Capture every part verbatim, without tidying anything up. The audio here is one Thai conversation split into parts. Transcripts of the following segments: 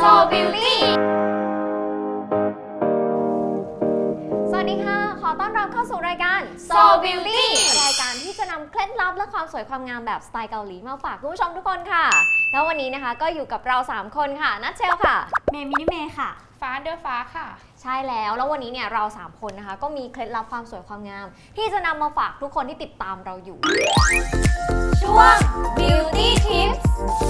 So Beauty สวัสดีค่ะขอต้อนรับเข้าสู่รายการ So Beauty รายการที่จะนำเคล็ดลับและความสวยความงามแบบสไตล์เกาหลีมาฝากคุณผู้ชมทุกคนค่ะแล้ววันนี้นะคะก็อยู่กับเราสามคนค่ะนัทเชลค่ะเมย์มินิเมย์ค่ะฟ้าเดอฟ้าค่ะใช่แล้วแล้ววันนี้เนี่ยเราสามคนนะคะก็มีเคล็ดลับความสวยความงามที่จะนำมาฝากทุกคนที่ติดตามเราอยู่ช่วง Beauty Tips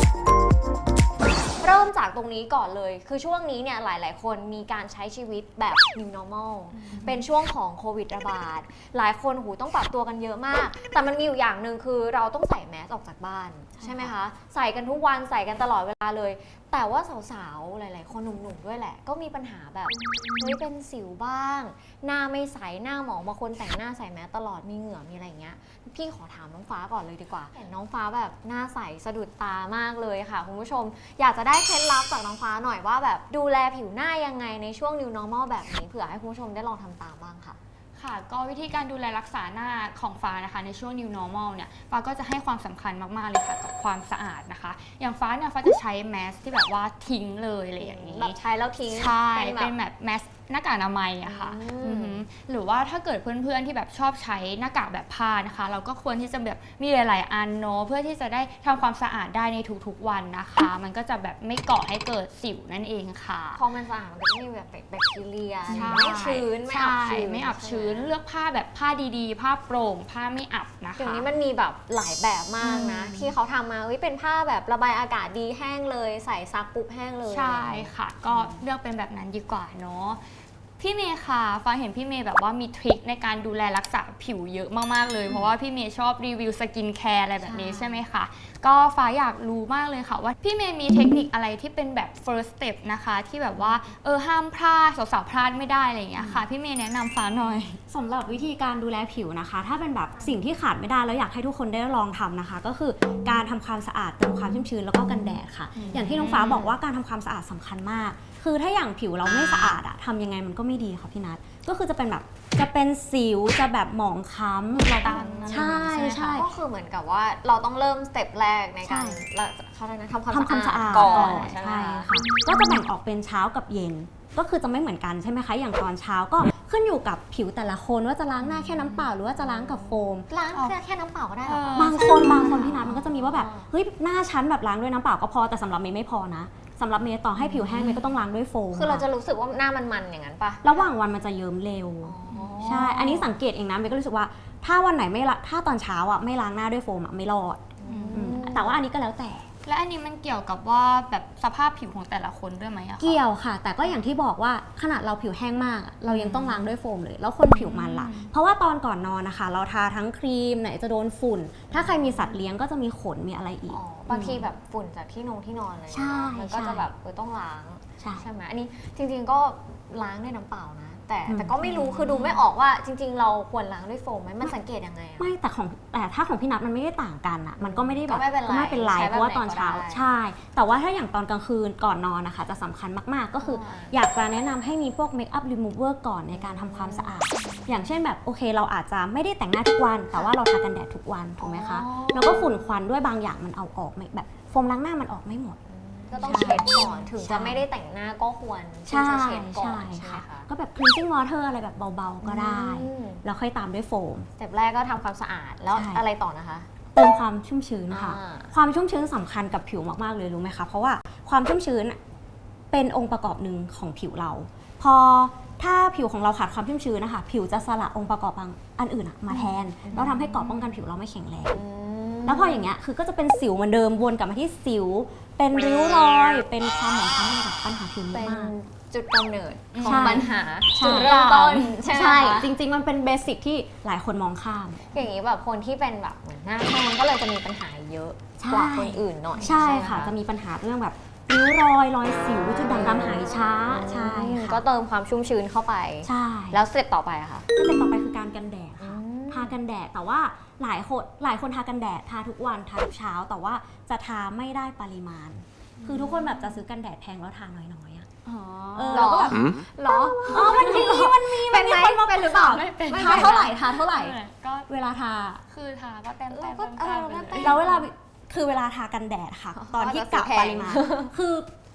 เริ่มจากตรงนี้ก่อนเลยคือช่วงนี้เนี่ยหลายๆคนมีการใช้ชีวิตแบบ New Normal เป็นช่วงของโควิดระบาดหลายคนหูต้องปรับตัวกันเยอะมากแต่มันมีอยู่อย่างหนึ่งคือเราต้องใส่แมสออกจากบ้านใช่ไหมคะใส่กันทุกวันใส่กันตลอดเวลาเลยแต่ว่าสาวๆหลายๆคนหนุ่มๆด้วยแหละก็มีปัญหาแบบเฮ้ยเป็นสิวบ้างหน้าไม่ใสหน้าหมองบางคนแต่งหน้าใส่แมสตลอดมีเหงื่อมีอะไรอย่างเงี้ยพี่ขอถามน้องฟ้าก่อนเลยดีกว่าเห็นน้องฟ้าแบบหน้าใสสะดุดตามากเลยค่ะคุณผู้ชมอยากจะได้เคล็ดลับจากน้องฟ้าหน่อยว่าแบบดูแลผิวหน้ายังไงในช่วง New Normal แบบนี้เผื่อให้คุณผู้ชมได้ลองทำตามบ้างค่ะค่ะก็วิธีการดูแลรักษาหน้าของฟ้านะคะในช่วง New Normal เนี่ยฟ้าก็จะให้ความสำคัญมากๆเลยค่ะกับความสะอาดนะคะอย่างฟ้าเนี่ยฟ้าจะใช้แมสที่แบบว่าทิ้งเลยอะไรอย่างนี้แบบใช้แล้วทิ้งใช่เป็นแบบแมสหน้ากากอนามัยอะค่ะหรือว่าถ้าเกิดเพื่อนๆที่แบบชอบใช้หน้ากากแบบผ้านะคะเราก็ควรที่จะแบบมีหลายๆอันเนาะเพื่อที่จะได้ทำความสะอาดได้ในทุกๆวันนะคะมันก็จะแบบไม่ก่อให้เกิดสิวนั่นเองค่ะพอมันสะอาดมันก็ไม่มีแบบแบคทีเรียไม่ชื้นไม่อับชื้นไม่อับชื้นเลือกผ้าแบบผ้าดีๆผ้าโปร่งผ้าไม่อับนะคะเดี๋ยวนี้มันมีแบบหลายแบบมากนะที่เขาทำมาเป็นผ้าแบบระบายอากาศดีแห้งเลยใส่ซักปุ๊บแห้งเลยใช่ค่ะก็เลือกเป็นแบบนั้นดีกว่าเนาะพี่เมย์ค่ะฟ้าเห็นพี่เมย์แบบว่ามีทริคในการดูแลรักษาผิวเยอะมากๆเลยเพราะว่าพี่เมย์ชอบรีวิวสกินแคร์อะไรแบบนี้ใช่ไหมคะก็ฟ้าอยากรู้มากเลยค่ะว่าพี่เมย์มีเทคนิคอะไรที่เป็นแบบ first step นะคะที่แบบว่าเออห้ามพลาดสาวๆพลาดไม่ได้อะไรอย่างเงี้ยค่ะพี่เมย์แนะนำฟ้าหน่อยสำหรับวิธีการดูแลผิวนะคะถ้าเป็นแบบสิ่งที่ขาดไม่ได้แล้วอยากให้ทุกคนได้ลองทำนะคะก็คือการทำความสะอาดเติมความชุ่มชื้นแล้วก็กันแดดค่ะอย่างที่น้องฟ้าบอกว่าการทำความสะอาดสำคัญมากคือถ้าอย่างผิวเราไม่สะอาดอะทำยังไงมันก็ไม่ดีค่ะพี่นัทก็คือจะเป็นแบบจะเป็นสิวจะแบบหมองคล้ำเราตันใช่ใช่ก็คือเหมือนกับว่าเราต้องเริ่มสเต็ปแรกในการเขาเรียกนะทำความสะอาดก่อนใช่ค่ะก็จะแบ่งออกเป็นเช้ากับเย็นก็คือจะไม่เหมือนกันใช่ไหมคะอย่างตอนเช้าก็ขึ้นอยู่กับผิวแต่ละคนว่าจะล้างหน้าแค่น้ำเปล่าหรือว่าจะล้างกับโฟมล้างแค่น้ำเปล่าก็ได้หรอบางคนบางคนพี่นัทมันก็จะมีว่าแบบเฮ้ยหน้าชั้นแบบล้างด้วยน้ำเปล่าก็พอแต่สำหรับเมย์ไม่พอนะสำหรับเมย์ต่อให้ผิวแห้งเมย์ก็ต้องล้างด้วยโฟมคือเราจะรู้สึกว่าหน้ามันๆอย่างนั้นปะระหว่างวันมันจะเยิ้มเร็วใช่อันนี้สังเกตเองนะเมย์ก็รู้สึกว่าถ้าวันไหนไม่ละถ้าตอนเช้าอ่ะไม่ล้างหน้าด้วยโฟมอ่ะไม่รอดแต่ว่าอันนี้ก็แล้วแต่และอันนี้มันเกี่ยวกับว่าแบบสภาพผิวของแต่ละคนด้วยไหมอะเกี่ยวค่ะแต่ก็อย่างที่บอกว่าขนาดเราผิวแห้งมากเรายังต้องล้างด้วยโฟมเลยแล้วคนผิวมันล่ะเพราะว่าตอนก่อนนอนนะคะเราทาทั้งครีมไหนจะโดนฝุ่นถ้าใครมีสัตว์เลี้ยงก็จะมีขนมีอะไรอีกบางทีแบบฝุ่นจากที่นงที่นอนเลยมันก็จะแบบเออต้องล้างใช่ไหมอันนี้จริงๆก็ล้างด้วยน้ำเปล่านะแต่แต่ก็ไม่รู้คือดูไม่ออกว่าจริงๆเราควรล้างด้วยโฟมไหมมันสังเกตยังไงอะไม่แต่ของแต่ถ้าของพี่นัทมันไม่ได้ต่างกันอะมันก็ไม่ได้แบบไม่เป็นไรเพราะว่าตอนเช้าใช่แต่ว่าถ้าอย่างตอนกลางคืนก่อนนอนนะคะจะสำคัญมากๆก็คืออยากจะแนะนำให้มีพวกเมคอัพรีมูเวอร์ก่อนในการทำความสะอาดอย่างเช่นแบบโอเคเราอาจจะไม่ได้แต่งหน้าทุกวันแต่ว่าเราทากันแดดทุกวันถูกไหมคะแล้วก็ฝุ่นควันด้วยบางอย่างมันเอาออกไม่แบบโฟมล้างหน้ามันออกไม่หมดก็ต้องเช็ดก่อนถึงจะไม่ได้แต่งหน้าก็ควรที่จะเช็ดก่อนใช่ไหมคะก็แบบ cleansing water อะไรแบบเบาๆก็ได้แล้วค่อยตามด้วยโฟมสเต็ปแรกก็ทำความสะอาดแล้วอะไรต่อนะคะเติมความชุ่มชื้นค่ะความชุ่มชื้นสำคัญกับผิวมากๆเลยรู้ไหมคะเพราะว่าความชุ่มชื้นเป็นองค์ประกอบหนึ่งของผิวเราพอถ้าผิวของเราขาดความชุ่มชื้นนะคะผิวจะสละองค์ประกอบบางอันอื่นมาแทนแล้วทำให้เกราะป้องกันผิวเราไม่แข็งแรงแล้วพออย่างเงี้ยคือก็จะเป็นสิวเหมือนเดิมวนกลับมาที่สิวเป็นริ้วรอยเป็นความหมองคล้ำกับปัญหาผิวมากจุดกำเนิดของปัญหาจุดเริ่มต้นใช่ไหมจริงๆมันเป็นเบสิกที่หลายคนมองข้ามอย่างนี้แบบคนที่เป็นแบบเหมือนหน้าแห้งก็เลยจะมีปัญหาเยอะกว่าคนอื่นหน่อยใช่ค่ะจะมีปัญหาเรื่องแบบริ้วรอยรอยสิวจุดด่างดำหายช้าใช่ก็เติมความชุ่มชื้นเข้าไปใช่แล้วสเต็ปต่อไปอะค่ะสเต็ปต่อไปคือการกันแดดค่ะทากันแดดแต่ว่าหลายคนหลายคนทากันแดดทาทุกวันทาทุกเช้าแต่ว่าจะทาไม่ได้ปริมาณคือทุกคนแบบจะซื้อกันแดดแพงแล้วทาน้อยๆอ่ะเออเราก็แบบหรออ๋อมันมีมันมีเป็นไหมเป็นหรือเปล่าทาเท่าไหร่ทาเท่าไหร่ก็เวลาทาคือทาก็แต้มแต้มแล้วเวลาคือเวลาทากันแดดค่ะตอนที่กะปริมาณคือ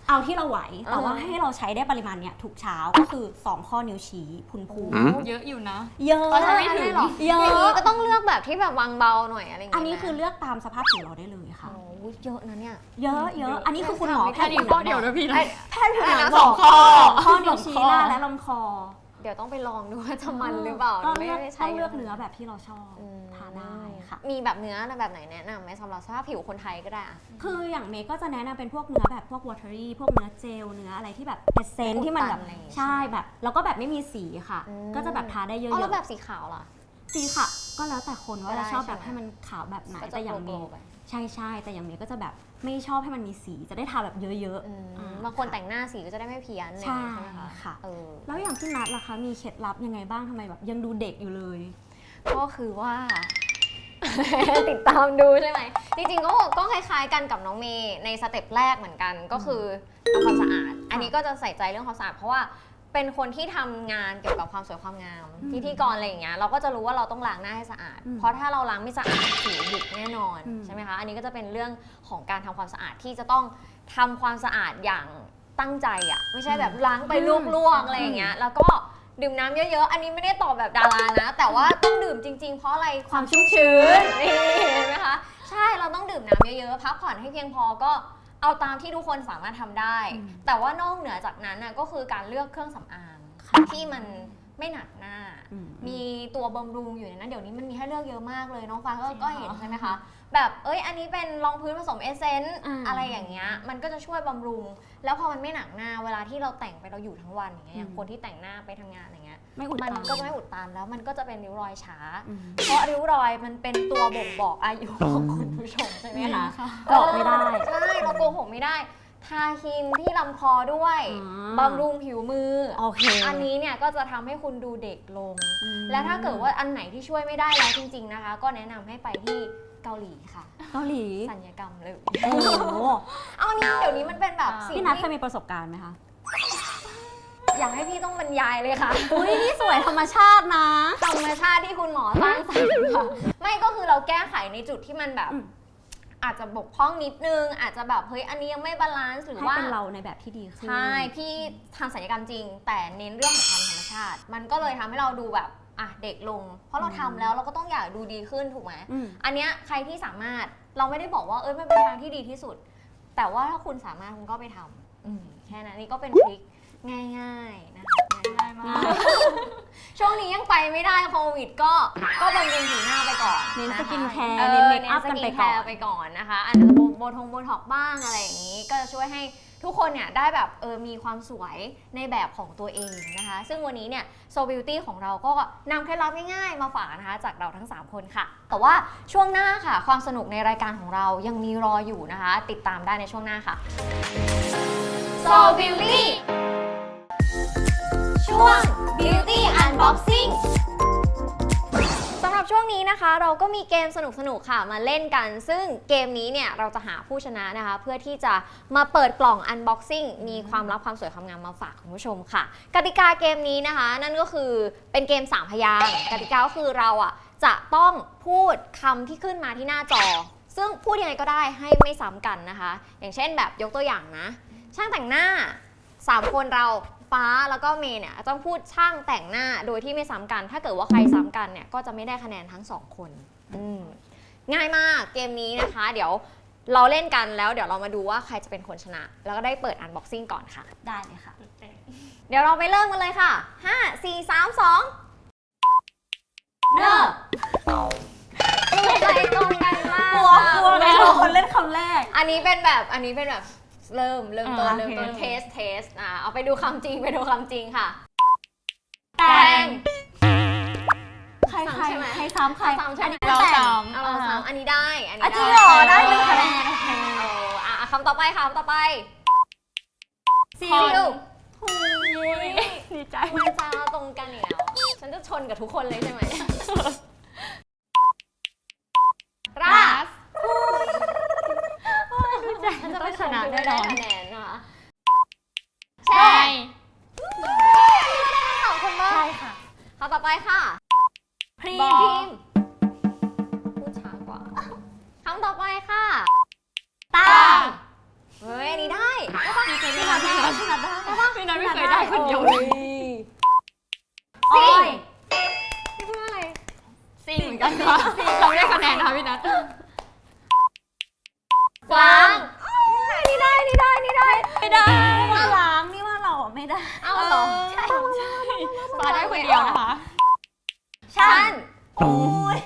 เอาที่เราไหวแต่ว่าอ่าฮะให้เราใช้ได้ปริมาณเนี้ยทุกเช้าก็คือสองข้อนิ้วชี้พุนพูอืมเยอะอยู่นะเยอะก็ทำไม่ถึงได้หรอเยอะอย่างนี้ก็ต้องเลือกแบบที่แบบวางเบาหน่อยอะไรอย่างอัเงี้ยนนี้คือไหมเลือกตามสภาพผิวเราได้เลยค่ะโอ้โหเยอะนะเนี่ยเยอะเยอะอันนี้คือคุณหมอแพทย์ผิวหข้นัอง เดียวด้วยพี่นะแพทย์ผิวหนังสองข้อข้อนิ้วชี้หน้าและลำคอเดี๋ยวต้องไปลองดูว่าจะมันหรือเปล่าต้องไม่เลือกได้ต้ใช้องเลือกเนื้อแบบที่เราชอบอืมทานได้ค่ะมีแบบเนื้อแบบไหนแนะนำไหมสำหรับสภาพผิวคนไทยก็ได้อะคืออย่างเมย์ก็จะแนะนำเป็นพวกเนื้อแบบพวก watery พวกเนื้อเจลเนื้ออะไรที่แบบเอเซนที่มันแบบอุดตันอะไรอย่างงี้ใช่แบบแล้วก็แบบไม่มีสีค่ะอืมก็จะแบบทาได้เยอ๋อแล้วแบอะบสีขาวล่ะๆสีค่ะ ก็แล้วแต่คนว่าก็ได้จะชอบแบบใช่ไหมให้มันขาวแบบไหนก็จะแต่อย่างเมโกลย์ว์ๆไปใช่ใช่แต่อย่างเมย์ก็จะแบบไม่ชอบให้มันมีสีจะได้ทาแบบเยอะอืมๆอ่บางคนแต่งหน้าสีก็จะได้ไม่เพี้ยนอะไรอย่างใช่เงี้ยใช่ไหมคะค่ะเออแล้วอย่างพี่นัทล่ะคะมีเคล็ดลับยังไงบ้างทำไมแบบยังดูเด็กอยู่เลยก็คือว่า ติดตามดูใช่ไหมจริงๆก็ก็คล้ายๆกันกับน้องเมย์ในสเต็ปแรกเหมือนกันก็คือทำความสะอาด อันนี้ก็จะใส่ใจเรื่องความสะอาดเพราะว่าเป็นคนที่ทำงานเกี่ยวกับความสวยความงามอืมพิธีกรอะไรอย่างเงี้ยเราก็จะรู้ว่าเราต้องล้างหน้าให้สะอาดอืมเพราะถ้าเราล้างไม่สะอาดผิวหยุดแน่นอนอืมใช่ไหมคะอันนี้ก็จะเป็นเรื่องของการทำความสะอาดที่จะต้องทำความสะอาดอย่างตั้งใจอ่ะไม่ใช่แบบล้างไปลวกๆอะไรอย่างเงี้ยแล้วก็ดื่มน้ำเยอะๆ อันนี้ไม่ได้ตอบแบบดารานะ แต่ว่าต้องดื่มจริงๆ เพราะอะไรความชุ่มชื้นนี่เห็นไหมคะ ใช่ เราต้องดื่มน้ำเยอะๆ พักผ่อนให้เพียงพอก็เอาตามที่ทุกคนสามารถทำได้อืมแต่ว่านอกเหนือจากนั้นน่ะก็คือการเลือกเครื่องสำอางค่ะที่มันไม่หนักหน้าอืมมีตัวบำรุงอยู่ในนั้น เดี๋ยวนี้มันมีให้เลือกเยอะมากเลยน้องฟ้าก็จริงเหรอก็เห็นใช่ไหมคะ แบบเอ้ยอันนี้เป็นรองพื้นผสมเอเซนต์อ่าอะไรอย่างเงี้ยมันก็จะช่วยบำรุง แล้วพอมันไม่หนักหน้าเวลาที่เราแต่งไปเราอยู่ทั้งวันอย่างเงี้ยอย่างอืมคนที่แต่งหน้าไปทำงานอะไรเงี้ยไม่อุดมันตันก็จะไม่อุดตันแล้วมันก็จะเป็นริ้วรอยช้าอืมเพราะริ้วรอยมันเป็นตัวบ่งบอกอายุของคุณผู้ชมใช่ไหมคะหลอกไม่ได้ใช่เราโกหกไม่ได้ ทาครีมที่ลำคอด้วยอ่าบำรุงผิวมือโอเคอันนี้เนี่ยก็จะทำให้คุณดูเด็กลงอืมและถ้าเกิดว่าอันไหนที่ช่วยไม่ได้แล้วจริง ๆนะคะ ก็แนะนำให้ไปที่เกาหลีค่ะเกาหลีสัญญกรรมเลยโอ้โหเอาอันนี้เดี๋ยวนี้มันเป็นแบบสิ่งพี่นัทเคยที่มีประสบการณ์ไหมคะอยากให้พี่ต้องบรรยายเลยค่ะอุ้ยนี่สวยธรรมชาตินะธรรมชาติที่คุณหมอสร้างสรรค์ค่ะไม่ก็คือเราแก้ไขในจุดที่มันแบบอืมอาจจะบกพร่องนิดนึง อาจจะแบบเฮ้ยอันนี้ยังไม่บาลานซ์หรือให้ว่าเป็นเราในแบบที่ดีขึ้นใช่พี่ทำศัลยกรรมจริง แต่เน้นเรื่องของความธรรมชาติ มันก็เลยทำให้เราดูแบบอ่ะเด็กลง เพราะเราทำแล้วเราก็ต้องอยากดูดีขึ้นถูกไหมอืมอันเนี้ยใครที่สามารถเราไม่ได้บอกว่าเอ้ยมันเป็นทางที่ดีที่สุด แต่ว่าถ้าคุณสามารถคุณก็ไปทำอืมแค่นั้นนี่ก็เป็นทริคง่ายๆนะคะง่ายๆมากช่วงนี้ยังไปไม่ได้โควิดก็ก็บำรุงผิวหน้าไปก่อนเน้นะคะสกินแคร์ออเน้นเมคอัพสกันไปแคก่อนร์ไปก่อนนะคะอาจจะโบทงโบท็อกบ้างอะไรอย่างนี้ ก็จะช่วยให้ทุกคนเนี่ยได้แบบเออมีความสวยในแบบของตัวเองนะคะ ซึ่งวันนี้เนี่ย So Beauty ของเราก็นำเคล็ดลับง่ายๆมาฝากนะคะจากเราทั้งสามคนค่ะ แต่ว่าช่วงหน้าค่ะ ความสนุกในรายการของเรายังมีรออยู่นะคะ ติดตามได้ในช่วงหน้าค่ะ So Beauty ช่วง Beauty Unboxing สำหรับช่วงนี้นะคะเราก็มีเกมสนุกๆค่ะมาเล่นกัน ซึ่งเกมนี้เนี่ยเราจะหาผู้ชนะนะคะ เพื่อที่จะมาเปิดกล่อง Unboxing มีความลับความสวยความงามมาฝากคุณผู้ชมค่ะ กติกาเกมนี้นะคะ นั่นก็คือเป็นเกมสามพยางค์กติกาก็คือเราอ่ะจะต้องพูดคำที่ขึ้นมาที่หน้าจอ ซึ่งพูดยังไงก็ได้ให้ไม่ซ้ำกันนะคะ อย่างเช่นแบบยกตัวอย่างนะ ช่างแต่งหน้าสามคนเราฟ้าแล้วก็เมย์เนี่ยต้องพูดช่างแต่งหน้าโดยที่ไม่ซ้ำกัน ถ้าเกิดว่าใครซ้ำกันเนี่ยก็จะไม่ได้คะแนนทั้งสองคนอืมง่ายมากเกมนี้นะคะ เดี๋ยวเราเล่นกันแล้วเดี๋ยวเรามาดูว่าใครจะเป็นคนชนะ แล้วก็ได้เปิดอันบ็อกซิ่งก่อนค่ะได้เลยค่ะเดี๋ยวเราไปเริ่มกันเลยค่ะห้า สี่ สาม สองเริ่มใจตรงกันมากกลัวกลัวเลยเราคนเล่นคำแรกอันนี้เป็นแบบอันนี้เป็นแบบเริ่มเริ่มต้นอ่าเริ่มต้นโอเคเทสเทสอ่ะเอาไปดูคำจริงไปดูคำจริงค่ะแต่งใครซ้ำใครใช่ไหมใครซ้ำใครซ้ำใช่ไหมอันนี้เราแต่งซ้ำเอาเราซ้ำอันนี้ได้อันนี้อ่ะจริงได้เหรอได้หนึ่งคะแนนโอเคเอออ่ะคำต่อไปค่ะคำต่อไปซิซิลลดีใจมันจะตรงกันอีกแล้วฉันจะชนกับทุกคนเลยใช่ไหมราสฉันจะไปชนะได้คะแนนนะคะแช่ใช่สองคนบ้างใช่ค่ะคำต่อไปค่ะพรีบอมพิมพ์พูดช้ากว่าคำต่อไปค่ะตาเฮ้ยอันนี้ได้ใช่ปะดีใจด้วยคนเดียวเลเลย ยอ้อยพี่พูดอะไรซิงเหมือนกันค่ะเราได้คะแนนนะคะพี่นัทฟางนี่ได้นี่ได้นี่ได้ไม่ได้ว่าล้างนี่ว่าเราอะไม่ได้เอาเหรอใช่ใช่ฟ้าได้คนเดียวนะคะฉันโอ้ย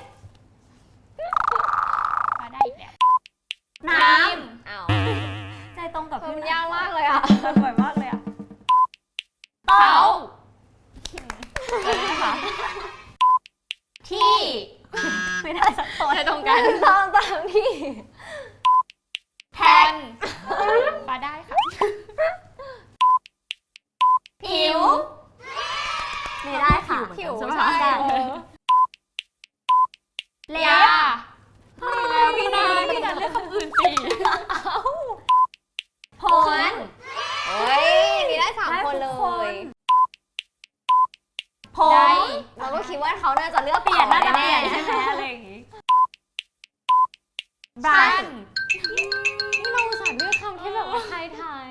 ฟ้าได้อีกแล้วน้อ้าวำใจตรงกับเออพี่มันยากมากเลยอ่ะมันบ่อยมากเลยอะเขาเออค่ะที่ ไม่ได้สักคนใช้ตรงกันตามตามที่แทนฟ้าได้ค่ะผิวไม่ได้ค่ะผิวใช่ไหมใช่คะเออเล็ยาบไม่แล้วพี่นาพี่นัทเลือกคำอื่นสิผลเฮ้ยมีได้สามคนเลได้ทุกคยน ผได้มเราก็คิดว่าเขาน่าจะเลือกเปลี่ยนน่าจะแน่เปลี่ยนใช่ไหมอะไรอย่างงี้บสั้รัชนนี่เราอุตส่าห์เลือกคำที่แบบว่าไทยทาย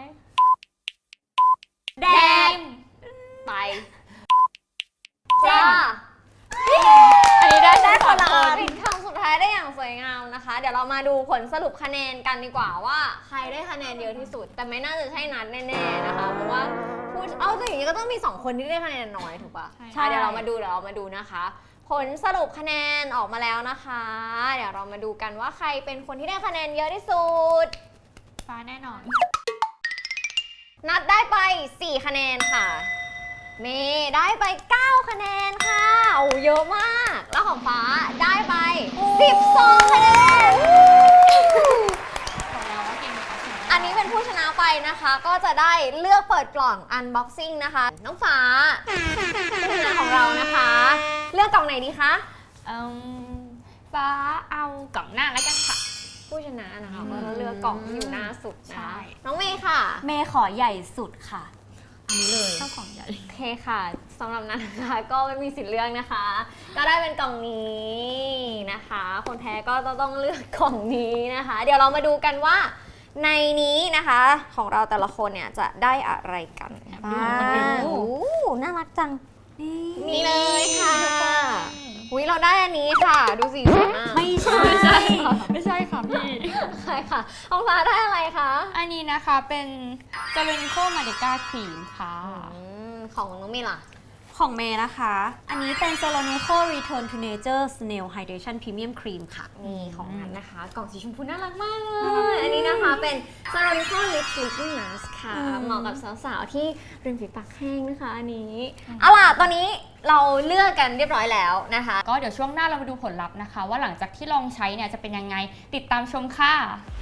แดแดงงไปเส้นจ้าอันนี้ได้ได้คนละปิดคำสุดท้ายได้อย่างสวยงามนะคะ เดี๋ยวเรามาดูผลสรุปคะแนนกันดีกว่าว่าใครได้คะแนนเยอะที่สุด แต่ไม่น่าจะใช่นัดแน่ๆนะคะ เพราะว่าพูดเอาแต่อย่างนี้ก็ต้องมีสองคนที่ได้คะแนนน้อยถูกปะใช่อ่ะเดี๋ยวเรามาดูเดี๋ยวเรามาดูนะคะ ผลสรุปคะแนนออกมาแล้วนะคะ เดี๋ยวเรามาดูกันว่าใครเป็นคนที่ได้คะแนนเยอะที่สุดฟ้าแน่นอนนัดได้ไปสี่คะแนนค่ะ เมย์ได้ไปเก้าคะแนนค่ะโอ้เยอะมาก แล้วของฟ้าได้ไปสิบสองคะแนนบอกแล้วว่าเกมนี้เขาชนะอันนี้เป็นผู้ชนะไปนะคะ ก็จะได้เลือกเปิดกล่อง unboxing นะคะ น้องฟ้าผู้ชนะของเรานะคะ เลือกกล่องไหนดีคะเอิ่มฟ้าเอากล่องหน้าแล้วกันค่ะผู้ชนะนะคะก็จะเลือกกล่องที่อยู่หน้าสุดใช่นะน้องเมย์ค่ะเมย์ขอใหญ่สุดค่ะ อันนี้เลยชอบของใหญ่โอเคค่ะสำหรับนั้นนะคะก็ไม่มีสิทธิ์เลือกนะคะ ก็ได้เป็นกล่องนี้นะคะ คนแพ้ก็ต้องเลือกกล่องนี้นะคะ เดี๋ยวเรามาดูกันว่าในนี้นะคะของเราแต่ละคนเนี่ยจะได้อะไรกันบ้างโอ้น่ารักจัง นี่เลยค่ะอุ้ยเราได้อันนี้ค่ะ ดูสีสวยมากไม่ใช่ไม่ใช่ไม่ใช่ค่ะพี่ใช่ค่ะของฟ้าได้อะไรคะอันนี้นะคะเป็น s e r e n i c o m a d e c a Cream ค่ะอืมของน้องเมย์ล่ะของเมย์นะคะ อันนี้เป็น s o l o n i c o Return to Nature Snail Hydration Premium Cream ค่ะนี่ของนั้นนะคะ กล่องสีชมพูน่ารักมากเลย อันนี้นะคะเป็น s a r o n i c o Lip Sleeping Mask ค่ะอืมเหมาะกับสาวๆ ที่ริมฝีปากแห้งนะคะอันนี้ เอาล่ะ ตอนนี้เราเลือกกันเรียบร้อยแล้วนะคะก็เดี๋ยวช่วงหน้าเรามาดูผลลัพธ์นะคะ ว่าหลังจากที่ลองใช้เนี่ยจะเป็นยังไงติดตามชมค่ะ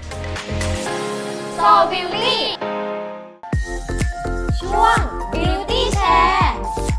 So Beauty ช่วง Beauty Share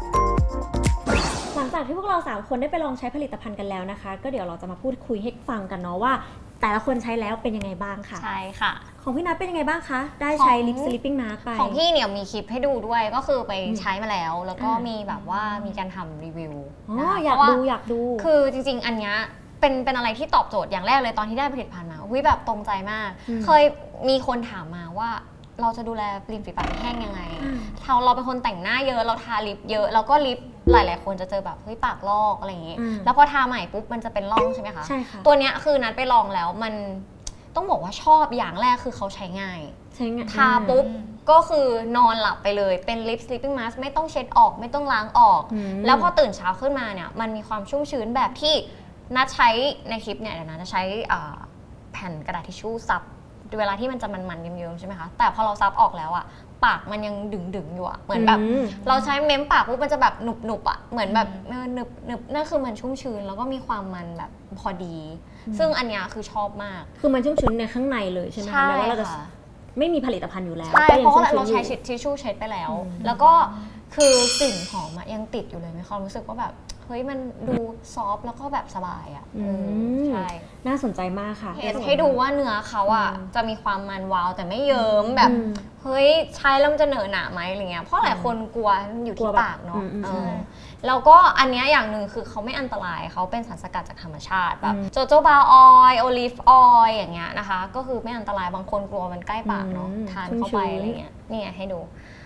หลังจากที่พวกเราสามคนได้ไปลองใช้ผลิตภัณฑ์กันแล้วนะคะ ก็เดี๋ยวเราจะมาพูดคุยให้ฟังกันเนาะว่า แต่ละคนใช้แล้วเป็นยังไงบ้างค่ะใช่ค่ะของพี่นัทเป็นยังไงบ้างคะ ได้ใช้ของ Lip Sleeping Mask ไปของพี่เนี่ยมีคลิปให้ดูด้วยก็คือไปอืมใช้มาแล้ว แล้วก็อ่ามีมีแบบว่ามีการทำรีวิวอ๋อนะคะอยากเพระว่ดูอยากดูคือจริงๆ อันเนี้ยเป็นเป็นอะไรที่ตอบโจทย์อย่างแรกเลยตอนที่ได้ผลิตภัณฑ์มาอุ้ยแบบตรงใจมากอืมเคยมีคนถามมาว่าเราจะดูแลริมฝีปากแห้งยังไงอืมเราเราเป็นคนแต่งหน้าเยอะเราทาลิปเยอะแล้วก็ลิปหลายๆ คนจะเจอแบบเฮ้ยปากลอกอะไรอย่างงี้อืมแล้วพอทาใหม่ปุ๊บมันจะเป็นร่องใช่ไหมคะใช่ค่ะตัวเนี้ยคือนัดไปลองแล้วมันต้องบอกว่าชอบอย่างแรกคือเขาใช้ง่ายใช้งานทาปุ๊บก็คือนอนหลับไปเลยเป็น lip sleeping mask ไม่ต้องเช็ดออกไม่ต้องล้างออกอืมแล้วพอตื่นเช้าขึ้นมาเนี่ยมันมีความชุ่มชื้นแบบที่นัดใช้ในคลิปเนี่ยเดี๋ยวนะจะใช้อ่าแผ่นกระดาษทิชชู่ซับเวลาที่มันจะมันๆเยิ้มๆใช่ไหมคะแต่พอเราซับออกแล้วอะปากมันยังดึงๆอยู่อะเหมือนแบบอืมเราใช้เม้มปากปุ๊บมันจะแบบหนุบๆอะเหมือนแบบเออหนึบหนึบนั่นคือมันชุ่มชื้นแล้วก็มีความมันแบบพอดี ซึ่งอันเนี้ยคือชอบมากคือมันชุ่มชื้นในข้างในเลยใช่ไหมคะแม้ว่าเราจะค่ะไม่มีผลิตภัณฑ์อยู่แล้วใช่ก็ยัเพราะว่าชุ่เรามชื้ใช้นอยู่ทิชชู่เช็ดไปแล้วอืมแล้วก็คือกลิ่นหอมอะยังติดอยู่เลยมีความรู้สึกว่าแบบเฮ้ยมันดูซอฟต์แล้วก็แบบสบายอะอืเออมใช่น่าสนใจมากค่ะเห็นให้ดูว่าเนื้อเขาอะอืมจะมีความมันวาวแต่ไม่เยิ้มแบบอืมเฮ้ยใช้แล้วมันจะเหนอะหนะไหมอะไรเงี้ยเพราะหลายคนกลัวมันอยู่กลัที่วแบบปากเนาะอืมอืมเอใช่อแล้วก็อันเนี้ยอย่างหนึ่งคือเขาไม่อันตรายเขาเป็นสารสกัดจากธรรมชาติแบบอืมโจโจบาออยล์โอลิฟออยล์อย่างเงี้ยนะคะก็คือไม่อันตรายบางคนกลัวมันใกล้ปากเนาะอืมทานเข้าไปชุ่มชื้นอะไรเงี้ยนี่ไงให้ดู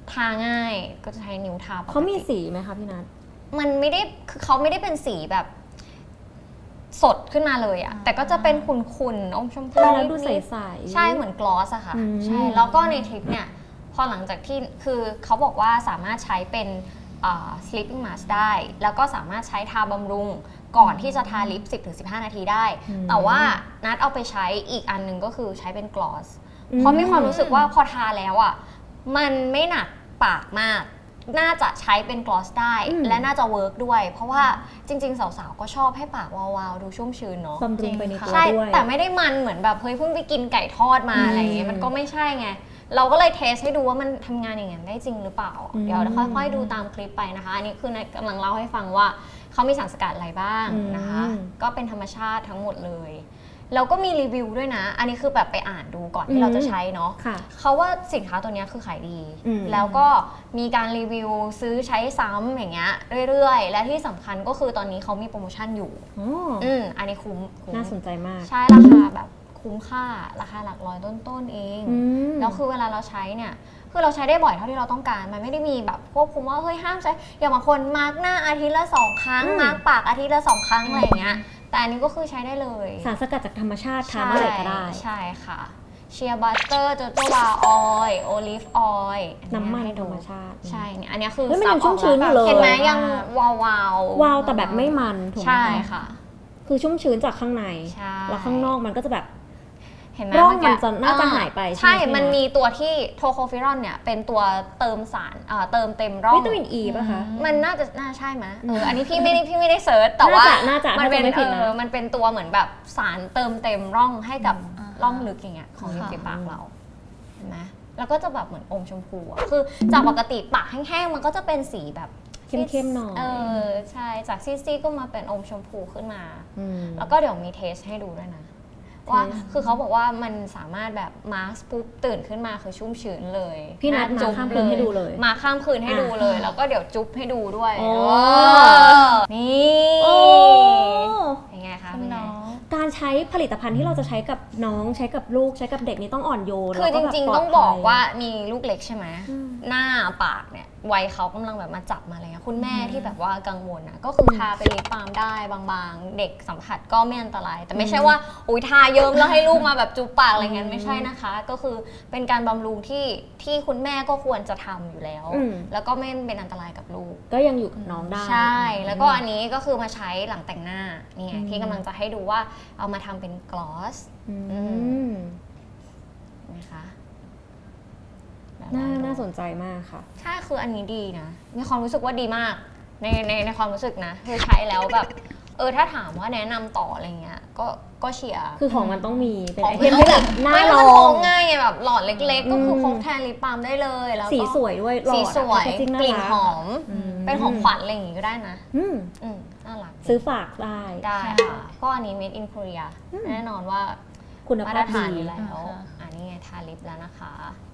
ทาง่ายก็จะใช้นิ้วทาปกติเขามีสีไหมคะพี่นัทมันไม่ได้คือเขาไม่ได้เป็นสีแบบสดขึ้นมาเลยอะแต่ก็จะเป็นขุ่นๆอมชมพูทาแล้วดูในิดสๆใช่เหมือนกลอสอะค่ะอืมใช่แล้วก็ในทริปเนี่ยพอหลังจากที่คือเขาบอกว่าสามารถใช้เป็นอ่า sleeping mask ได้ แล้วก็สามารถใช้ทาบำรุงก่อนที่จะทาลิป สิบถึงสิบห้า นาทีได้ แต่ว่านัดเอาไปใช้อีกอันหนึงก็คือใช้เป็นกลอส เพราะมีความรู้สึกว่าพอทาแล้วอ่ะมันไม่หนักปากมาก น่าจะใช้เป็นกลอสได้อืมและน่าจะเวิร์กด้วย เพราะว่าจริง ๆ สาวๆ ก็ชอบให้ปากวาวๆ ดูชุ่มชื้นเนาะบำรุงไปในตัวใช่ด้วยแต่ไม่ได้มันเหมือนแบบเฮ้ยเพิ่งไปกินไก่ทอดมาอืมอะไรอย่างเงี้ยมันก็ไม่ใช่ไง เราก็เลยเทสให้ดูว่ามันทำงานอย่างนั้นได้จริงหรือเปล่าอืมเดี๋ยวค่อยๆ ดูตามคลิปไปนะคะ อันนี้คือในกำลังเล่าให้ฟังว่าเขามีสารสกัดอะไรบ้างนะคะอืมก็เป็นธรรมชาติทั้งหมดเลยแล้วก็มีรีวิวด้วยนะ อันนี้คือแบบไปอ่านดูก่อนที่เราจะใช้เนาะค่ะเขาว่าสินค้าตัวเนี้ยคือขายดีอืมแล้วก็มีการรีวิวซื้อใช้ซ้ำอย่างเงี้ยเรื่อยๆ และที่สำคัญก็คือตอนนี้เขามีโปรโมชั่นอยู่อ๋ออืมอันนี้คุ้มคุ้มน่าสนใจมากใช่ราคาแบบคุ้มค่าราคาหลักร้อยต้นๆเองอืมแล้วคือเวลาเราใช้เนี่ยคือเราใช้ได้บ่อยเท่าที่เราต้องการ มันไม่ได้มีแบบควบคุมว่าเฮ้ยห้ามใช้อย่างบางคนมาร์กหน้าอาทิตย์ละสองครั้งอืมมาร์กปากอาทิตย์ละสองครั้งอะไรอย่างเงี้ยแต่อันนี้ก็คือใช้ได้เลยสารสกัดจากธรรมชาติทาเมื่อไหร่ก็ได้ใช่ค่ะเชียร์บัตเตอร์โจโจวาออยล์โอลิฟออยล์น้ำมันธรรมชาติใช่เนี่ยอันเนี้ยคือเฮ้ยมันยังซับออกชุ่มชื้นอยู่เลยเห็นไหมยังวาวาววาวแต่แบบไม่มันถูกไหมใช่คะค่ะคือชุ่มชื้นจากข้างในใช่แล้วข้างนอกมันก็จะแบบเห็นไหมร่องเกี้มันจะน่าจะหายไปใช่ใช่ไหมพี่มันนัทมีตัวที่โทโคฟิรอนเนี่ยเป็นตัวเติมสารเอ่อเติมเต็มร่องวิตามินอีป่ะคะมันน่าจะน่าใช่ไหมเอออันนี้พี่ไม่ได้พี่ไม่ได้เซิร์ชแต่ว่าน่าจะมันเป็นน่าจะไม่ผิเอดนะอมันเป็นตัวเหมือนแบบสารเติมเต็มร่องให้กับอ่าร่องลึกอย่างเงี้ยของริมค่ะฝีปากเราเห็นไหมแล้วก็จะแบบเหมือนอมชมพูอะคือจากปกติปากแห้งๆมันก็จะเป็นสีแบบเข้มๆหน่อยเออใช่จากซีดๆก็มาเป็นอมชมพูขึ้นมาอืมแล้วก็เดี๋ยวมีเทสให้ดูด้วยนะว่าเทสคือเขาบอกว่ามันสามารถแบบมาร์คปุ๊บตื่นขึ้นมาคือชุ่มชื้นเลยพี่นัทมาจุ๊บข้ามคืนให้ดูเลยมาข้ามคืนให้ดูเลยอ่ะแล้วก็เดี๋ยวจุ๊บให้ดูด้วยโอ้เออนี่โอ้เป็นไงคะคุเป็ณนไงน้องการใช้ผลิตภัณฑ์ที่เราจะใช้กับน้องใช้กับลูกใช้กับเด็กนี่ต้องอ่อนโยนคือแล้วจก็แบบริงปลๆดต้องบอกภัยว่ามีลูกเล็กใช่ไหมอืมหน้าปากเนี่ยวัยเขากำลังแบบมาจับมาอะไรเงี้ยคุณแม่ที่แบบว่ากังวลนะก็คือทาไปลิปบาล์มได้บางๆ เด็กสัมผัสก็ไม่อันตราย แต่ไม่ใช่ว่าอุ้ยทาเยิ้มแล้วให้ลูกมาแบบจุ๊บปากอะไรเงี้ยไม่ใช่นะคะ ก็คือเป็นการบำรุงที่ที่คุณแม่ก็ควรจะทำอยู่แล้วอืมแล้วก็ไม่เป็นอันตรายกับลูกก็ยังอยู่กับน้องได้ใช่ แล้วก็อันนี้ก็คือมาใช้หลังแต่งหน้านี่ไงอืมที่กำลังจะให้ดูว่าเอามาทำเป็นกลอสอือืมนะคะแบบน่าลองดูน่าสนใจมากค่ะใช่คืออันนี้ดีนะ มีความรู้สึกว่าดีมากในในในความรู้สึกนะคือใช้แล้วแบบ เออถ้าถามว่าแนะนำต่ออะไรเงี้ยก็ก็เชียร์คือของมันต้องมีเป็นขไอองเทมที่แบบน่าไม่ลแล้วอมันพงกง่ายไงแบบหลอดเล็กๆ ก็คืออืมพกแทนลิปบาล์มได้เลยแล้วก็สีสวยด้วยหลอดสีสวยแพ็คเกจจิ้งน่ากลิ่นรัหอมอืมเป็นของขวัญอะไรอย่างงี้ก็ได้นะอืมอืมน่ารักซื้อฝากได้ได้ค่ะ ก็อันนี้ made in Korea อืมแน่นอนว่าคุณมาภาตรพฐานดีอยู่แล้วอ่าค่ะอันนี้ไงทาลิปแล้วนะคะ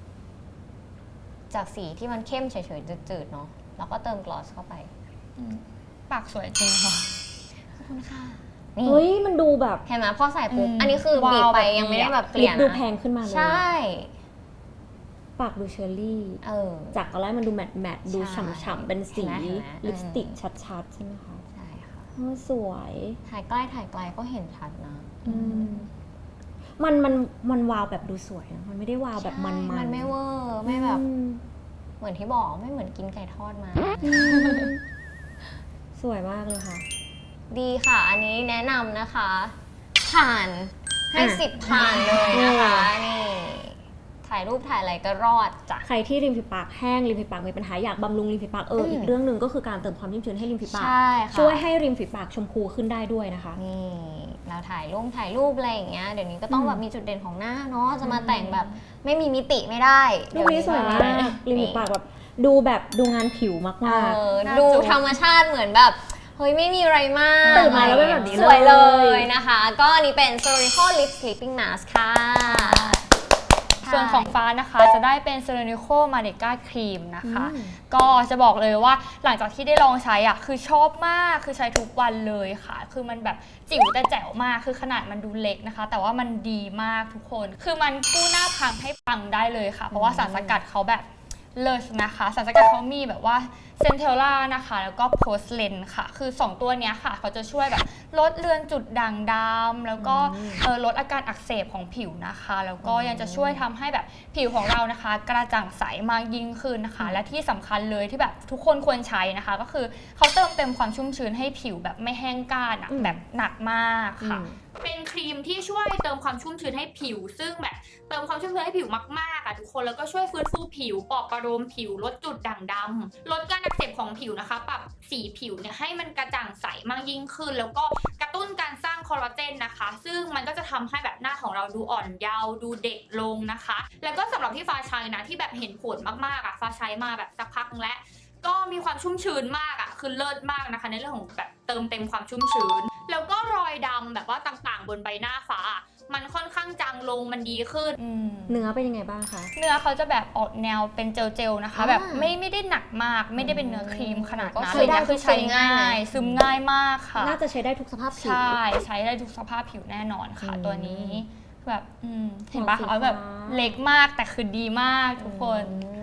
จากสีที่มันเข้มเฉยๆจืดๆเนาะแล้วก็เติมกลอสเข้าไปอืมปากสวยจริงค่ะขอบคุณค่ะนี่เฮ้ยมันดูแบบเห็นไหมพอใส่ปุ๊บอืมอันนี้คือบีบวาวไปแบบยังไม่ได้แบบเกลิลี่ปยดูนะแพงขึ้นมาเลยใช่ปากดูเชอร์รี่เออจากตอนแรกมันดูแมตต์แมตต์ดูใช่ฉ่ำๆเป็นสีเห็นไหมเห็นไหมลิปสติกอืมชัดๆ ใช่ไหมคะใช่ค่ะโอ้สวยถ่ายใกล้ถ่ายไกลก็เห็นชัดนะอืมมันมันมันวาวแบบดูสวยนะมันไม่ได้วาวแบบมันใช่ๆมันไม่เวอร์ไม่แบบอืมเหมือนที่บอกไม่เหมือนกินไก่ทอดมาสวยมากเลยค่ะดีค่ะ อันนี้แนะนำนะคะ ผ่านให้อ่ะสิบผ่านเลยนะคะอืมนี่ ถ่ายรูปถ่ายอะไรก็รอดจ้ะใครที่ริมฝีปากแห้งริมฝีปากมีปัญหาอยากบำรุงริมฝีปากเอออืมอีกเรื่องหนึ่งก็คือการเติมความชุ่มชื้นให้ริมฝีปากใช่ค่ะช่วยให้ริมฝีปากชมพูขึ้นได้ด้วยนะคะนี่เราถ่ายรูปถ่ายรูปอะไรอย่างเงี้ยเดี๋ยวนี้ก็ต้องอืมแบบมีจุดเด่นของหน้าเนาะจะมาแต่งแบบไม่มีมิติไม่ได้รูปนี้สวยมากริมฝีปากแบบดูแบบดูงานผิวมากเอๆอน่าดูจูบธรรมชาติเหมือนแบบเฮ้ยไม่มีอะไรมากตื่นมาแล้วเป็นแบบนี้สวยเลเลย ยนะคะ ก็อันนี้เป็น Sorico Lip Sleeping Mask ค่ะส่วนของฟ้านะคะจะได้เป็น c e r a n i c o m a n e c a Cream นะคะอืมก็จะบอกเลยว่าหลังจากที่ได้ลองใช้อ่ะคือชอบมากคือใช้ทุกวันเลยค่ะ คือมันแบบจิ๋วแต่แจ๋วมากคือขนาดมันดูเล็กนะคะ แต่ว่ามันดีมากทุกคน คือมันกู้หน้าพังให้ปังได้เลยค่ะ เพราะว่าสารสกัดเขาแบบเลิศนะคะสารสกัดเขามีแบบว่าเซนเทลล่านะคะแล้วก็โพสเลนค่ะคือสองตัวเนี้ยค่ะเขาจะช่วยแบบลดเลือนจุดด่างดำแล้วก็เออลดอาการอักเสบของผิวนะคะแล้วก็ยังจะช่วยทำให้แบบผิวของเรานะคะกระจ่างใสมากยิ่งขึ้นนะคะและที่สำคัญเลยที่แบบทุกคนควรใช้นะคะก็คือเขาเติมเต็มความชุ่มชื้นให้ผิวแบบไม่แห้งก้านอะแบบหนักมากค่ะเป็นครีมที่ช่วยเติมความชุ่มชื้นให้ผิวซึ่งแบบเติมความชุ่มชื้นให้ผิวมากๆอ่ะทุกคนแล้วก็ช่วยฟื้นฟูผิวปลอบประโลมผิวลดจุดด่างดำลดการอักเสบของผิวนะคะปรับสีผิวเนี่ยให้มันกระจ่างใสมากยิ่งขึ้นแล้วก็กระตุ้นการสร้างคอลลาเจนนะคะซึ่งมันก็จะทำให้แบบหน้าของเราดูอ่อนเยาว์ดูเด็กลงนะคะแล้วก็สำหรับที่ฟ้าใช้นะที่แบบเห็นผลมากๆอ่ะฟ้าใช้มาแบบสักพักนึงแล้วก็มีความชุ่มชื้นมากอ่ะคือเลิศมากนะคะในเรื่องของแบบเติมเต็มความชุ่มชื้นแล้วก็รอยดำแบบว่าต่างๆบนใบหน้าฟ้ามันค่อนข้างจางลงมันดีขึ้นเนื้อเป็นยังไงบ้างคะเนื้อเขาจะแบบออกแนวเป็นเจลๆนะคะแบบไม่ไม่ได้หนักมากไม่ได้เป็นเนื้อครีมขนาดนั้นเลยนะคือใช้ง่ายซึมง่ายมากค่ะน่าจะใช้ได้ทุกสภาพผิวใช่ใช้ได้ทุกสภาพผิวแน่นอนค่ะตัวนี้แบบเห็นปะเขาแบบเล็กมากแต่คือดีมากทุกคน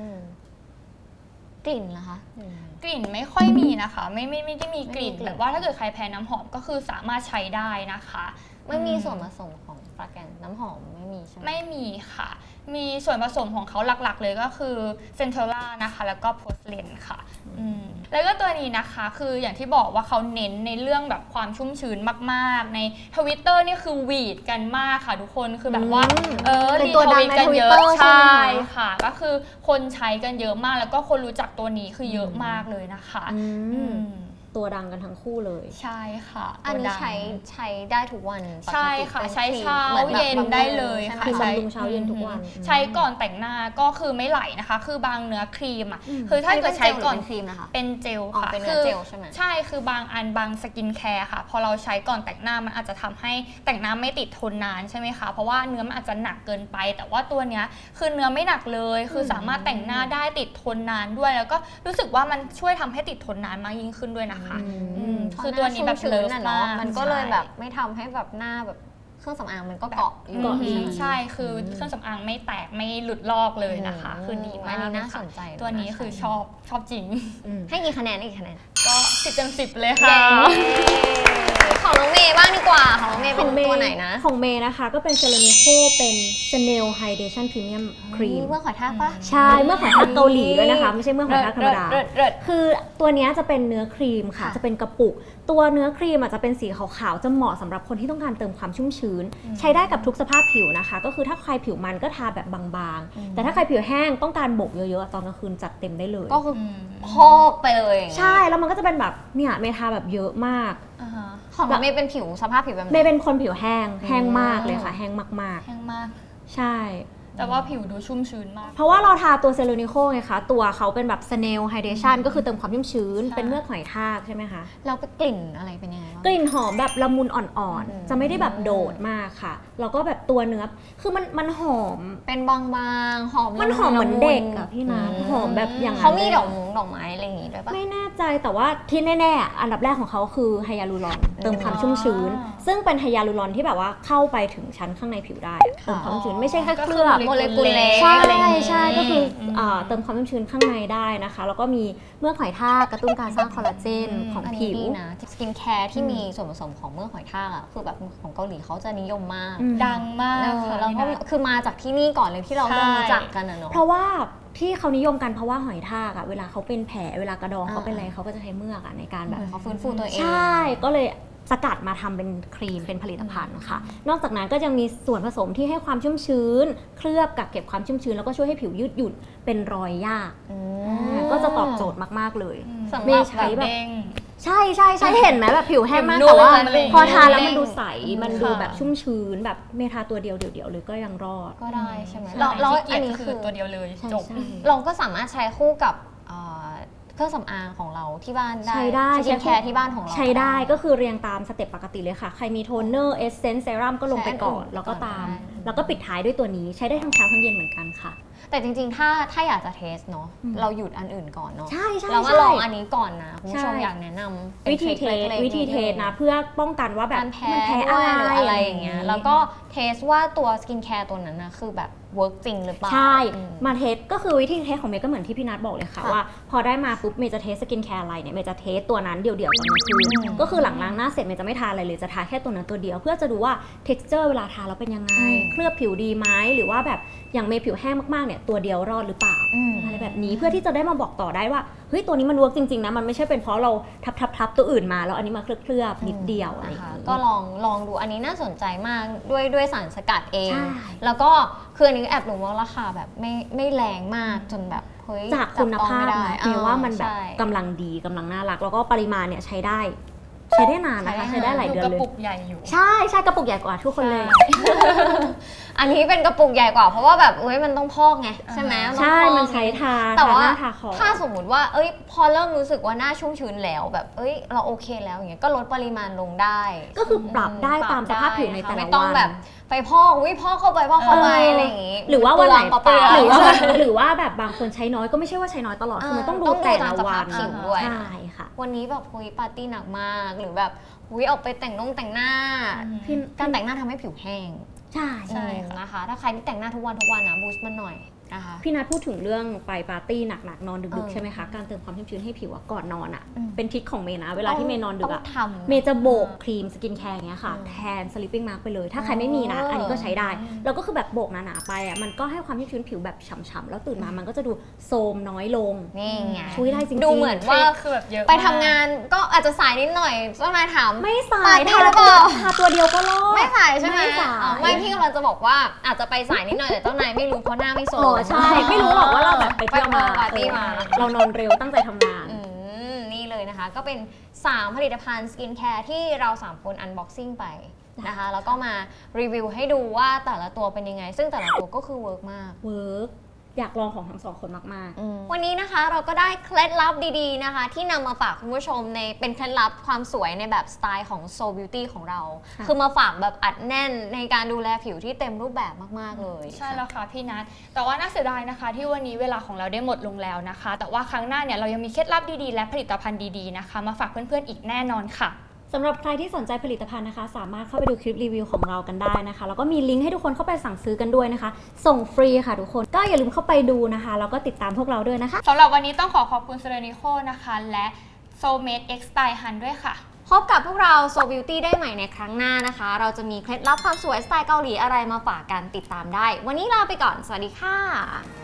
กลิ่นนะคะกลิ่นไม่ค่อยมีนะคะไม่ไม่ไม่ได้มีกลิ่นแบบว่าถ้าเกิดใครแพ้น้ำหอมก็คือสามารถใช้ได้นะคะไม่มีส่วนผสมของฟราแกนน้ำหอมไม่มีใช่ไหมไม่มีค่ะมีส่วนผสมของเขาหลักๆเลยก็คือเซนเทลล่านะคะแล้วก็โพสเลนค่ะแล้วก็ตัวนี้นะคะคืออย่างที่บอกว่าเขาเน้นในเรื่องแบบความชุ่มชื้นมากๆใน Twitter นี่คือหวีดกันมากค่ะทุกคนคือแบบว่าเออรีทวิตกันเยอะใช่ค่ะก็คือคนใช้กันเยอะมากแล้วก็คนรู้จักตัวนี้คือเยอะมากเลยนะคะตัวดังกันทั้งคู่เลยใช่ค่ะอันนี้ใช้ใช้ได้ทุกวันใช่ค่ะใช้เช้าเย็นได้เลยค่ะใช้บำรุงเช้าเย็นทุกวันใช้ก่อนแต่งหน้าก็คือไม่ไหลนะคะคือบางเนื้อครีมอ่ะคือถ้าเกิดใช้ก่อนครีมนะคะเป็นเจลค่ะเป็นเนื้อเจลใช่ไหมใช่คือบางอันบางสกินแคร์ค่ะพอเราใช้ก่อนแต่งหน้ามันอาจจะทำให้แต่งหน้าไม่ติดทนนานใช่ไหมคะเพราะว่าเนื้อมันอาจจะหนักเกินไปแต่ว่าตัวเนี้ยคือเนื้อไม่หนักเลยคือสามารถแต่งหน้าได้ติดทนนานด้วยแล้วก็รู้สึกว่ามันช่วยทำให้ติดทนนานมากยิ่งขึ้นด้วยนะคะคือตัวนี้แบบเลิฟมากมันก็เลยแบบไม่ทำให้แบบหน้าแบบเครื่องสำอางมันก็เกาะอยู่ใช่คือเครื่องสำอางไม่แตกไม่หลุดลอกเลยนะคะคือดีมากอันนี้น่าสนใจตัวนี้คือชอบชอบจริงให้กี่คะแนนให้กี่คะแนนก็สิบเต็มสิบเลยค่ะของน้องเมย์บ้างดีกว่าของน้องเมย์เป็นตัวไหนนะของเมย์นะคะก็เป็นเซรามิโคเป็น Snail Hydration Premium Cream เมื่อหอยทากปะใช่เมื่อหอยทากเกาหลีด้วยนะคะไม่ใช่เมื่อหอยทากธรรมดาคือตัวนี้จะเป็นเนื้อครีมค่ะจะเป็นกระปุกตัวเนื้อครีมอาจจะเป็นสีขาวๆจะเหมาะสำหรับคนที่ต้องการเติมความชุ่มชื้นใช้ได้กับทุกสภาพผิวนะคะก็คือถ้าใครผิวมันก็ทาแบบบางๆแต่ถ้าใครผิวแห้งต้องการโบกเยอะๆตอนกลางคืนจัดเต็มได้เลยก็คือพอกไปเลยใช่แล้วมันก็จะเป็นแบบเนี่ยเมทาแบบเยอะมากของเมย์เป็นผิวสภาพผิวแบบเมย์เป็นคนผิวแห้งแห้งมากเลยค่ะแห้งมากๆแห้งมากใช่แต่ว่าผิวดูชุ่มชื้นมากเพราะว่าเราทาตัวเซรามิโคไงคะตัวเขาเป็นแบบ Snail Hydration ก็คือเติมความชุ่มชื้นเป็นเมือกหอยทากใช่ไหมคะแล้วกลิ่นอะไรเป็นยังไงกลิ่นหอมแบบละมุนอ่อนๆจะไม่ได้แบบโดดมากค่ะแล้วก็แบบตัวเนื้อคือมันมันหอมเป็นบางๆหอมมันหอมเหมือนเด็กอะพี่นะหอมแบบอย่างเขามีดอกมุ้งดอกไม้อะไรอย่างงี้ด้วยปะไม่แน่ใจแต่ว่าที่แน่ๆอันดับแรกของเขาคือไฮยาลูรอนเติมความชุ่มชื้นซึ่งเป็นไฮยาลูรอนที่แบบว่าเข้าไปถึงชั้นข้างในผิวได้เติมความชุ่มชื้นไม่ใช่แค่เคลือบโมเลกุลเล็กใช่ใช่ก็คือเติมความชุ่มชื้นข้างในได้นะคะแล้วก็มีเมือกหอยทากกระตุ้นการสร้างคอลลาเจนของผิวนะสกินแคร์ที่มีส่วนผสมของเมือกหอยทากอ่ะคือแบบของเกาหลีเขาจะนิยมมากดังมากแล้วก็คือมาจากที่นี่ก่อนเลยที่เราเริ่มรู้จักกันนะเนาะเพราะว่าที่เขานิยมกันเพราะว่าหอยทากอ่ะเวลาเขาเป็นแผลเวลากระดองเขาเป็นอะไรเขาก็จะใช้เมือกอ่ะในการแบบเขาฟื้นฟูตัวเองใช่ก็เลยสกัดมาทำเป็นครีมเป็นผลิตภัณฑ์ค่ะนอกจากนั้นก็ยังมีส่วนผสมที่ให้ความชุ่มชื้นเคลือบกักเก็บความชุ่มชื้นแล้วก็ช่วยให้ผิวยืดหยุ่นเป็นรอยยากก็จะตอบโจทย์มากๆเลยไม่ใช้แบบใช่ใช่ใช่เห็นไหมแบบผิวแห้งมากแต่ว่าพอทาแล้วมันดูใสมันดูแบบชุ่มชื้นแบบเมทาตัวเดียวเดียวๆเลยก็ยังรอดก็ได้ใช่ไหมแล้วอันนี้คือตัวเดียวเลยจบเราก็สามารถใช้คู่กับเครื่องสำอางของเราที่บ้านได้ใช้ได้สกินแคร์ที่บ้านของเราใช้ได้ก็คือเรียงตามสเต็ปปกติเลยค่ะใครมีโทนเนอร์เอสเซนส์เซรั่มก็ลงไปก่อนแล้วก็ตามแล้วก็ปิดท้ายด้วยตัวนี้ใช้ได้ทั้งเช้าทั้งเย็นเหมือนกันค่ะแต่จริงๆถ้าถ้าอยากจะเทสเนาะเราหยุดอันอื่นก่อนเนาะใช่ใช่เรามาลองอันนี้ก่อนนะคุณผู้ชมอยากแนะนำวิธีเทสวิธีเทสนะเพื่อป้องกันว่าแบบมันแพ้อะไรหรืออะไรอย่างเงี้ยแล้วก็เทสว่าตัวสกินแคร์ตัวนั้นนะคือแบบเวิร์กจริงหรือเปล่าใช่อืมมาเทสก็คือวิธีเทสของเมย์ก็เหมือนที่พี่นัทบอกเลยค่ะค่ะว่าพอได้มาปุ๊บเมย์จะเทสสกินแคร์อะไรเนี่ยเมย์จะเทสตัวนั้นเดี่ยวๆตอนกลางคืนอืมก็คือหลังล้างหน้าเสร็จเมย์จะไม่ทาอะไรเลยจะทาแค่ตัวนั้นตัวเดียว เพื่อจะดูว่า texture เวลาทาแล้วเป็นยังไงอืมเคลือบผิวดีไหมหรือว่าแบบอย่างเมย์ผิวแห้งมากๆเนี่ยตัวเดียวรอดหรือเปล่าอืมอะไรแบบนี้เพื่อที่จะได้มาบอกต่อได้ว่าเฮ้ยตัวนี้มันเวิร์กจริงๆนะมันไม่ใช่เป็นเพราะเราทับทับทับตัวอื่นมาแล้วอันนี้มาเคลือบๆนิดเดียวอะไรอย่างนะคะนี้ก็ลองลองดูอันนี้น่าสนใจมากด้วยด้วยสารสกัดเองใช่แล้วก็คืออันนี้แอบรู้ว่าราคาแบบไม่ไม่แรงมากจนแบบเฮ้ยจากคุณภาพจับต้องนะไม่ได้เมย์ว่ามันแบบใช่กำลังดีกำลังน่ารัก แล้วก็ปริมาณเนี่ยใช้ได้ ใช้ได้นานนะคะใช้ใช้ได้ได้หลายดูเดือนกระเลยปุกใหญ่อยู่ใช่ใช่กระปุกใหญ่กว่าทุกคนเลยอันนี้เป็นกระปุกใหญ่กว่าเพราะว่าแบบเอ้ยมันต้องพอกไงใช่ไหมต้องใช่พอกมันใช้ทาแต่ทาว่าหน้าทาคอถ้าสมมติว่าเอ้ยพอเริ่มรู้สึกว่าหน้าชุ่มชื้นแล้วแบบเอ้ยเราโอเคแล้วอย่างเงี้ยก็ลดปริมาณลงได้ก็คือปรับได้อืตามสภาพผิวในแต่ละวันไม่ต้องแบบไปพอกวิพอกเข้าไปพอกเข้าไปเออออะไรอย่างงี้หรือว่าวันไหนเปลืองหรือว่าเปลืองหรือว่าแบบบางคนใช้น้อยก็ไม่ใช่ว่าใช้น้อยตลอดคือมันต้องดูต้องดูแต่ตาละมสวัภาพนผิวด้วยใช่ค่ะวันนี้แบบคุยปาร์ตี้หนักมากหรือแบบคุยออกไปแต่งนงแต่งหน้าพี่การแต่งหน้าทำให้ผิวแห้งใช่ใช่อืมนะคะ ถ้าใครที่แต่งหน้าทุกวันทุกวันนะบูสต์มันหน่อยนะคะพี่นัทพูดถึงเรื่องไปปาร์ตี้หนักๆนอนดึกเออๆใช่ไหมคะการเติมความชุ่มชื้นให้ผิวอะก่อนนอนอะอืมเป็นทริคของเมย์นะเวลาที่เมย์นอนดึกต้อะองทำเมย์จะโบกครีมสกินแคร์อย่างเงี้ยค่ะอืมแทน sleeping mask ไปเลย ถ้าใครไม่มีนะอ๋ออัอันนี้ก็ใช้ได้ แล้วก็คือแบบโบกหนาๆไปอ่ะมันก็ให้ความชุ่มชื้นผิวแบบฉ่ำๆแล้วตื่นมามันก็จะดูโทรมน้อยลงนี่ไงช่วยได้จริงๆดูเหมือนว่าคือแบบเยอะไปทำงานก็อาจจะสายนิดหน่อยเจ้านายถามไม่สาปาย ร์ตี้ทาหรือเปล่าทาตัวเดียวก็รอดไม่สายใช่ไหมไม่สายอ๋อไม่พี่กำลังจะบอกว่าอาจจะไปสายนิดหน่อยแต่เจ้านายไม่รู้เพราะหน้าไม่โซอ๋อใช่ ไม่รู้หรอกว่าเราแบบไปเที่ยวมาปปาร์ตี้มาเออเรานอนเร็วตั้งใจทำงานอืมนี่เลยนะคะ ก็เป็น สาม ผลิตภัณฑ์สกินแคร์ที่เราสามคนอันบ็อกซิ่งไปนะคะ แล้วก็มารีวิวให้ดูว่าแต่ละตัวเป็นยังไง ซึ่งแต่ละตัวก็คือเวิร์กมากเวิร์กอยากลองของทั้งสองคนมากวันนี้นะคะเราก็ได้เคล็ดลับดีๆนะคะ ที่นำมาฝากคุณผู้ชมในเป็นเคล็ดลับความสวยในแบบสไตล์ของ Soul Beauty ของเราค่ะคือมาฝากแบบอัดแน่นในการดูแลผิวที่เต็มรูปแบบมากๆเลยใช่แล้วค่ะพี่นัทแต่ว่าน่าเสียดายนะคะ ที่วันนี้เวลาของเราได้หมดลงแล้วนะคะ แต่ว่าครั้งหน้าเนี่ยเรายังมีเคล็ดลับดีๆและผลิตภัณฑ์ดีๆนะคะมาฝากเพื่อนๆอีกแน่นอนค่ะๆสำหรับใครที่สนใจผลิตภัณฑ์นะคะ สามารถเข้าไปดูคลิปรีวิวของเรากันได้นะคะ แล้วก็มีลิงก์ให้ทุกคนเข้าไปสั่งซื้อกันด้วยนะคะ ส่งฟรีค่ะทุกคนก็อย่าลืมเข้าไปดูนะคะ แล้วก็ติดตามพวกเราด้วยนะคะสำหรับวันนี้ต้องขอขอบคุณเซรานิโคนะคะ และ Soulmate X Style Hun ด้วยค่ะพบกับพวกเรา Soul Beauty ได้ใหม่ในครั้งหน้านะคะ เราจะมีเคล็ดลับความสวยสไตล์เกาหลีอะไรมาฝากกันติดตามได้ วันนี้ลาไปก่อน สวัสดีค่ะ